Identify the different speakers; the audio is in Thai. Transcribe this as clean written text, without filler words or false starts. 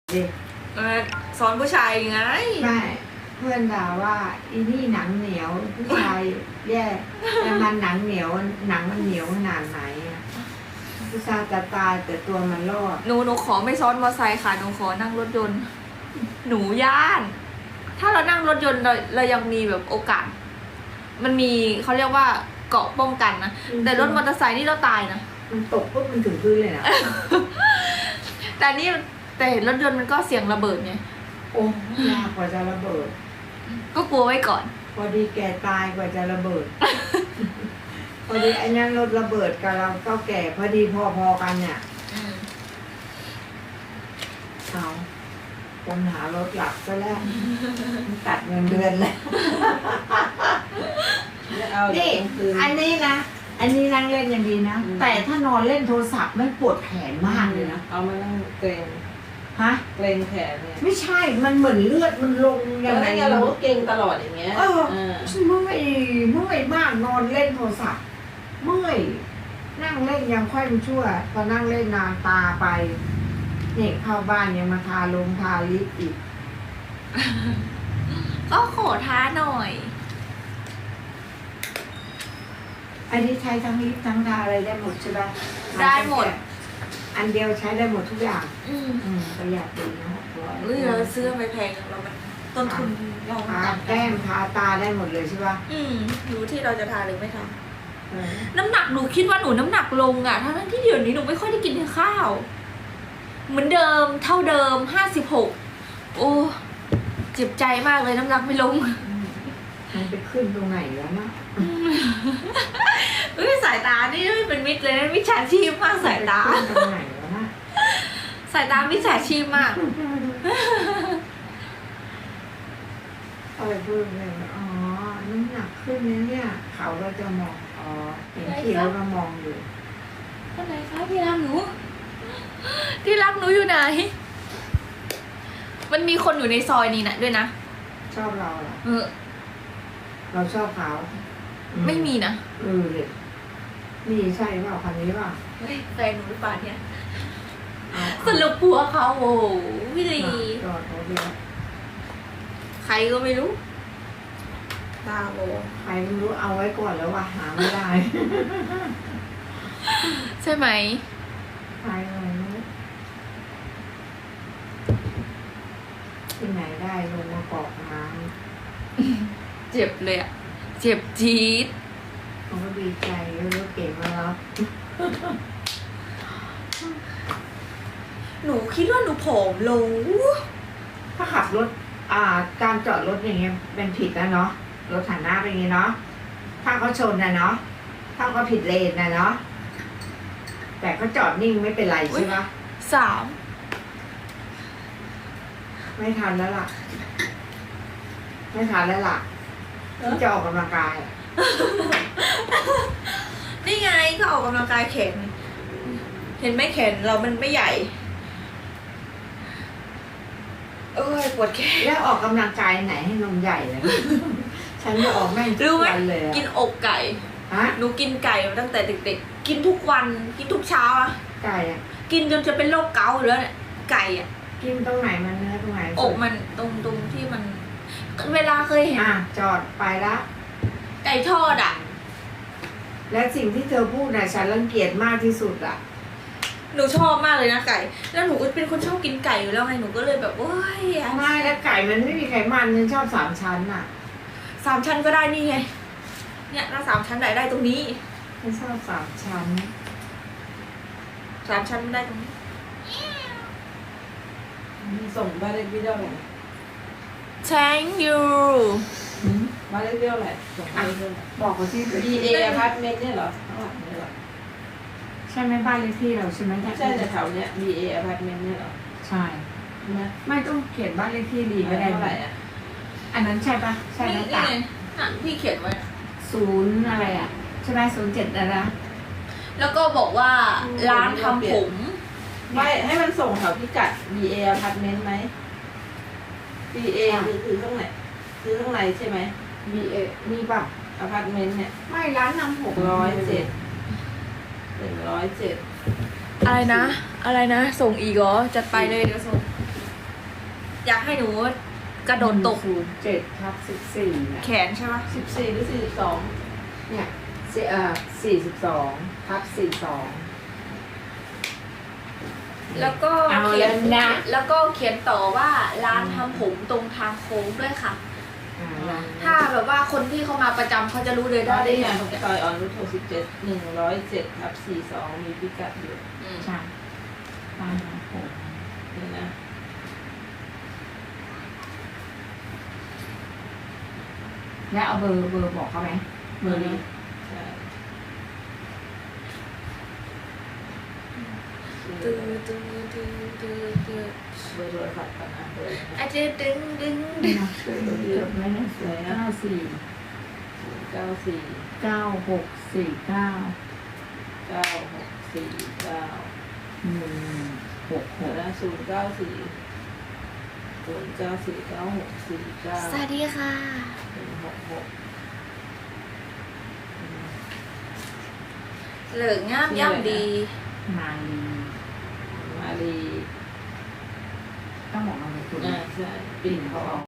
Speaker 1: เด็ก
Speaker 2: สอนผู้ชายไง
Speaker 1: ไม่เพื่อนด่าว่าอีนี่หนังเหนียวผู้ชายแย่แต่มันหนังเหนียวหนังมันเหนียวขนาดไหนอะผู้ชายจะตายแต่ตัวมันรอด
Speaker 2: หนูขอไม่ซ้อนมอเตอร์ไซค์ค่ะหนูขอนั่งรถยนต์ หนูย่าน ถ้าเรานั่งรถยนต์เรายังมีแบบโอกาส มันมีเขาเรียกว่าเกราะป้องกันนะแต่รถมอเตอร์ไซค์นี่เราตายนะ
Speaker 1: มันตกปุ๊บมันถึงพื้นเลยนะ
Speaker 2: แต่นี่แต่เห็นรถยนต์มันก็เสียงระเบิดไง
Speaker 1: โอ้ยากกว่าจะระเบิด
Speaker 2: ก็กลัวไว้ก่อน
Speaker 1: พอดีแกตายกว่าจะระเบิด พอดีไอ้นั้นรถระเบิดกับเราก็แก่พอดีพอๆกันเนี่ยเอาคนหารถหลักซะแล้วตัดเงินเดือนเลยนี่อันนี้นะอันนี้นั่งเล่นอย่างดีนะแต่ถ้านอนเล่นโทรศัพท์ไม่ปวดแขนมากเลยนะ
Speaker 3: เอามานั่งเกรง
Speaker 1: ฮะ
Speaker 3: เกรงแขนเนี่ย
Speaker 1: ไม่ใช่มันเหมือนเลือดมันลงยังไง
Speaker 3: แล้วเราก็เกรงตลอดอย่างเงี้ย
Speaker 1: เมื่อยมากนอนเล่นโทรศัพท์เมื่อยนั่งเล่นยังค่อยมันชั่วพอนั่งเล่นนานตาไปเนี่ยเข้าบ้านยังมาทาลงทาลิปอีก
Speaker 2: ก็ขอท้าหน่อย
Speaker 1: อันนี้ใช้ทั้งลิปทั้งทาอะไรได้หมดใช่ปะ
Speaker 2: ได้หมด
Speaker 1: อันเดียวใช้ได้หมดทุกอย่าง
Speaker 2: อืม
Speaker 1: ประหยัดดีนะ600
Speaker 2: เราซื้อไปแพงเรามันต้นทุนเรา
Speaker 1: ทาแก้มทาตาได้หมดเลยใช่ปะ
Speaker 2: รู้ที่เราจะทาหรือไม่ทา
Speaker 1: เออ
Speaker 2: น้ำหนักหนูคิดว่าหนูน้ำหนักลงอ่ะทั้งที่เดี๋ยวนี้หนูไม่ค่อยได้กินข้าว เหมือนเดิมเท่าเดิม56โอ้เจ็บใจมากเลยน้ำหนักไม่ลง
Speaker 1: มันไปขึ้นตรงไหนแล้วนะ
Speaker 2: สายตานี่เป็นมิตรเลยนะมิจฉาชีพมากสายตา
Speaker 1: มันไปขึ้นตรงไหนแล้วนะ
Speaker 2: สายตามิจฉาชีพมาก
Speaker 1: อะไรพูดเลยอ๋อน้ำหนักขึ้นเนี่ยเขาก็จะมองอ๋อเห็นที่แล้วก็มองอยู่
Speaker 2: คนไหนคะที่รักหนู ที่รักหนูอยู่ไหน มันมีคนอยู่ในซอยนี้นะด้วยนะ
Speaker 1: ชอบเราเหรอ
Speaker 2: เออ
Speaker 1: เราชอบเขา
Speaker 2: ไม่มีนะ
Speaker 1: เลยนี่ใช่เปล่าคันนี้เปล่า
Speaker 2: เฮ้ยแฟนหนูหรือเปล่าเนี่ย
Speaker 1: เอา
Speaker 2: สรุปผัวเขาโอ้โหพี่ดี
Speaker 1: จอดรถเลย
Speaker 2: ใครก็ไม่รู้ตาโบ
Speaker 1: ใครไม่รู้เอาไว้ก่อนแล้วว่าหาไม่ได้
Speaker 2: ใช่ไหม
Speaker 1: ใครอะไรไม่รู้ที่ไหนได้ลงมากรอกน้
Speaker 2: เจ็บเลยอะเจ็บจี๊ด
Speaker 1: ำเขาก็ดีใจรู้เก่งมาแล้ว
Speaker 2: หนูคิดว่าหนูผอมลง
Speaker 1: ถ้าขับรถการจอดรถอย่างเงี้ยเป็นผิดนะเนาะรถหันหน้าเป็นอย่างงี้เนาะถ้าเขาชนนะเนาะถ้าเขาผิดเลนนะเนาะแต่เขาจอดนิ่งไม่เป็นไรใช่ปะ
Speaker 2: 3
Speaker 1: ไม่ทันแล้วล่ะ ไม่ทันแล้วล่ะที่จะออกกำลังกายอะ
Speaker 2: นี่ไงก็ออกกำลังกายแขนเห็นไหมแขนเรามันไม่ใหญ่เอ้ยปวดแขน
Speaker 1: แล้วออกกำลังกายไหนให้นมใหญ่เลย ฉันจะออกแม่งทุ
Speaker 2: รู้
Speaker 1: ก
Speaker 2: ไหม
Speaker 1: วันเลยอะ
Speaker 2: กินอกไก่
Speaker 1: ฮะ
Speaker 2: หนูกินไก่มาตั้งแต่เด็กๆกินทุกวันกินทุกเช้าอะ
Speaker 1: ไก่อะ
Speaker 2: กินจนจะเป็นโรคเกาต์อยู่แล้วเนี่ยไก่อะ
Speaker 1: กินตรงไหนมันเนื้อตรงไหน
Speaker 2: อกมันตรงที่มัน เวลาเคยเห็น
Speaker 1: จอดไปละ
Speaker 2: ไก่ทอดอะ
Speaker 1: และสิ่งที่เธอพูดน่ะฉันรังเกียจมากที่สุดอะ
Speaker 2: หนูชอบมากเลยนะไก่ แล้วหนูก็เป็นคนชอบกินไก่อยู่แล้วไงหนูก็เลยแบบว้าย
Speaker 1: ไม่แล้วไก่มันไม่มีไขมันฉันชอบ3 ชั้นอะ
Speaker 2: 3 ชั้นก็ได้นี่ไงเนี่ยถ้า3 ชั้นได้ตรงนี้
Speaker 1: ฉันชอบ3 ชั้น
Speaker 2: 3 ชั้นไม่ได้ตรงนี้
Speaker 3: ส่งบ้านเลขที่เท่าไหร่
Speaker 2: Thank you
Speaker 3: บ้านเลขที่เท่าไหร่ส่งบ้านเลขที่เท่าไหร่
Speaker 1: บอกเขาที่
Speaker 3: BA อพาร์ตเมนต์เนี่ยเหรอข้างหลังเนี่ยเหรอ
Speaker 1: ใช่ไหมบ้านเลขที่เราใช่ไหม
Speaker 3: ไม่ใช่แต่แถวเนี้ย BA อพาร์ตเมนต์เนี่ยเหรอ
Speaker 1: ใช่
Speaker 3: นะ
Speaker 1: ไม่ต้องเขียนบ้านเลขที่ดีก็
Speaker 3: เท่า
Speaker 1: ได้
Speaker 3: ไหร่อ่ะ
Speaker 1: อันนั้นใช่ปะใช่
Speaker 2: นี่
Speaker 1: นะ
Speaker 2: ไง
Speaker 1: ตา
Speaker 2: น่ะพี่เขียนไว้อะ
Speaker 1: 0อะไรอะใช่ไหม07อะไรนะ
Speaker 2: แล้วก็บอกว่าร้านทำผม
Speaker 3: ไม่ให้มันส่งแถวพิกัด BA อพาร์ตเมนต์ไหม BA คือข้างไหนคือข้างในใช่ไหม
Speaker 1: BA มีป่ะ
Speaker 3: อพาร์ตเมนต์เนี่ย
Speaker 1: ไม่ร้านนำ600
Speaker 3: 107
Speaker 2: อะไรนะ อะไรนะ ส่งอีกเหรอ จัดไปเลยเดี๋ยวส่งให้หนูกระโดดตก
Speaker 1: 07/14นะ
Speaker 2: แขนใช่ปะ
Speaker 3: 14 หรือ
Speaker 1: เนี่ย42/42
Speaker 2: แล้วก็
Speaker 1: เอา
Speaker 2: เขียน
Speaker 1: แล้วนะ
Speaker 2: แล้วก็เขียนต่อว่าร้านทำผมตรงทางโค้งด้วยค่ะ ถ้าแบบว่าคนที่เขามาประจำเขาจะรู้เลย
Speaker 3: 42
Speaker 2: ได้
Speaker 3: ได้
Speaker 2: ได้
Speaker 3: ไง
Speaker 2: ยัง
Speaker 3: ซอยอ่อนนุช67 107/42 มีพิกัดอยู่
Speaker 1: ใช่บ้านของผม
Speaker 3: นี่นะ
Speaker 1: แล้วเอาเบอร์บอกเขาไหมเบอร์นี้
Speaker 3: ใช่
Speaker 2: ตื้อตื้อตื้อตื้อตื้อ
Speaker 3: เบอร์โทรศัพท์ก่อนนะเบอร์นะ
Speaker 2: อาจจะดึงดึงดึง
Speaker 1: จดไว้นะ94
Speaker 3: 94
Speaker 1: 9649
Speaker 3: 9649
Speaker 1: 166
Speaker 3: แล้ว094
Speaker 2: สวัสดีค่ะ เหลืองงามย่ำดี
Speaker 1: มาลี
Speaker 3: มาลี
Speaker 1: ต้องบอกมาเลยคุณ
Speaker 3: ใช่ปิ่นทอง